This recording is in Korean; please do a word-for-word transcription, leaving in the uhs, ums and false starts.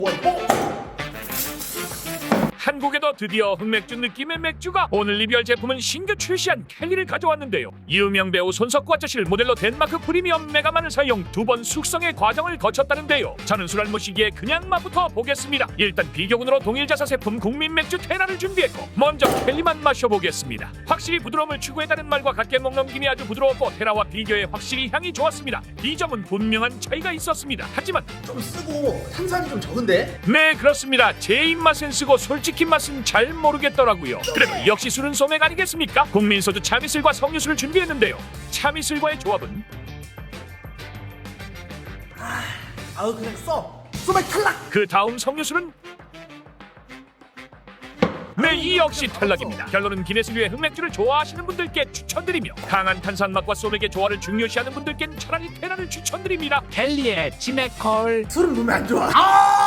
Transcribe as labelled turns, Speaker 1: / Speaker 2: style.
Speaker 1: 한국에도 드디어 흑맥주 느낌의 맥주가 오늘 리뷰할 제품은 신규 출시한 켈리를 가져왔는데요. 유명 배우 손석구 아저씨를 모델로 덴마크 프리미엄 메가만을 사용 두 번 숙성의 과정을 거쳤다는데요. 저는 술 안 마시기에 그냥 맛부터 보겠습니다. 일단 비교군으로 동일 자사 제품 국민 맥주 테라를 준비했고 먼저 켈리만 마셔보겠습니다. 확실히 부드러움을 추구했다는 말과 같게 목 넘김이 아주 부드러웠고 테라와 비교해 확실히 향이 좋았습니다. 이 점은 분명한 차이가 있었습니다. 하지만
Speaker 2: 좀 쓰고 탄산이 좀 적은데?
Speaker 1: 네, 그렇습니다. 제 입맛엔 쓰고 솔직히 맛은 잘 모르겠더라고요. 그래도 역시 술은 소맥 아니겠습니까? 국민소주 참이슬과 석류수를 준비했는데요. 참이슬과의 조합은
Speaker 2: 아우 그냥 써 소맥 탈락!
Speaker 1: 그 다음 석류수는 네, 이 역시 탈락입니다. 결론은 기네스류의 흑맥주를 좋아하시는 분들께 추천드리며 강한 탄산 맛과 소맥의 조화를 중요시하는 분들께는 차라리 테라를 추천드립니다.
Speaker 3: 켈리의 치맥콜
Speaker 2: 술은 몸에 안 좋아. 아!